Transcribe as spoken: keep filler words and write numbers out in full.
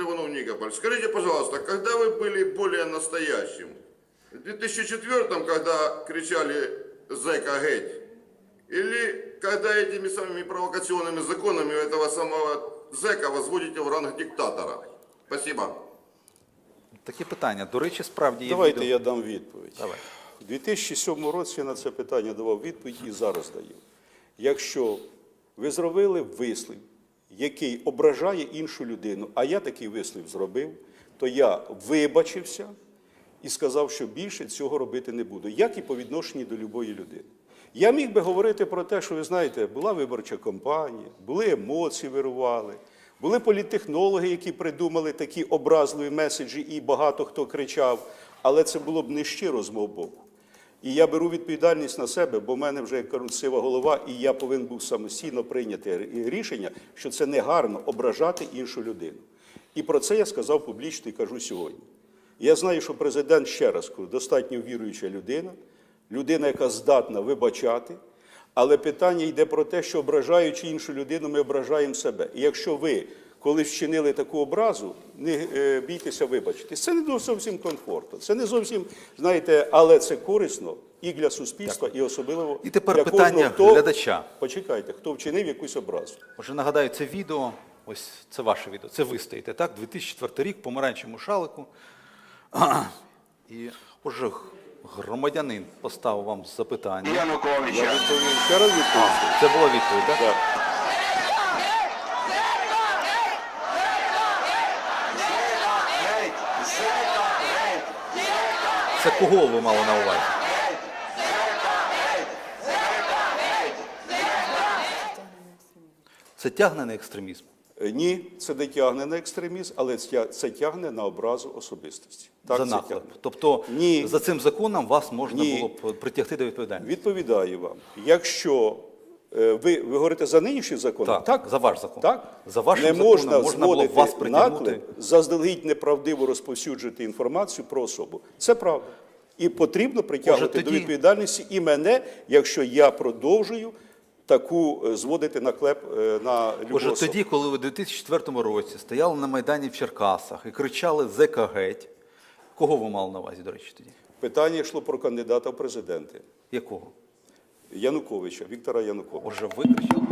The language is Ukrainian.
Иванов, Никополь. Скажите, пожалуйста, когда вы были более настоящим? В две тысячи четвёртом, когда кричали «Зэка геть», или когда этими самыми провокационными законами этого самого зэка возводите в ранг диктатора? Спасибо. Такі питання. До речі, справді є Давайте відео. я дам відповідь. Давай. У дві тисячі сьомому році я на це питання давав відповідь і зараз даю. Якщо ви зробили вислів, який ображає іншу людину, а я такий вислів зробив, то я вибачився і сказав, що більше цього робити не буду, як і по відношенню до любої людини. Я міг би говорити про те, що, ви знаєте, була виборча кампанія, були емоції, вирували, були політтехнологи, які придумали такі образливі меседжі, і багато хто кричав, але це було б не щиро з мого боку. І я беру відповідальність на себе, бо в мене вже, як кажуть, сива голова, і я повинен був самостійно прийняти рішення, що це не гарно ображати іншу людину. І про це я сказав публічно і кажу сьогодні. Я знаю, що президент, ще раз кажу, достатньо віруюча людина, людина, яка здатна вибачати, але питання йде про те, що ображаючи іншу людину, ми ображаємо себе. І якщо ви колись вчинили таку образу, не е, бійтеся вибачитись. Це не зовсім комфортно, це не зовсім, знаєте, але це корисно і для суспільства, і особливо І тепер для питання кожного, хто, глядача. почекайте, хто вчинив якусь образу. Отже, нагадаю, це відео, ось це ваше відео, це ви стоїте, так? дві тисячі четвертий рік, помаранчевому шалику. І, отже, громадянин поставив вам запитання. Я відповім, ще раз відповім. Це була відповідь, так? Так. Це кого ви мали на увазі? Це тягне на екстремізм. Е, Ні, це не тягне на екстремізм, але це це тягне на образу особистості. Так, За це наклеп. тягне. Тобто Ні. за цим законом вас можна Ні. було б притягти до відповідальності. Відповідаю вам. Якщо е, ви, ви говорите за нинішній закон, Так, за ваш закон. Так? За вашим не законом можна, можна було б зводити вас притягнути. наклеп, заздалегідь неправдиво розповсюджувати інформацію про особу. Це правда. І потрібно притягувати Може, тоді- до відповідальності і мене, якщо я продовжую таку е, зводити наклеп е, на любу Отже, особу. тоді, коли ви у дві тисячі четвертому році стояли на Майдані в Черкасах і кричали «Зека геть», кого ви мали на увазі, до речі, тоді? Питання йшло про кандидата в президенти. Якого? Януковича, Віктора Януковича. Отже, ви кричали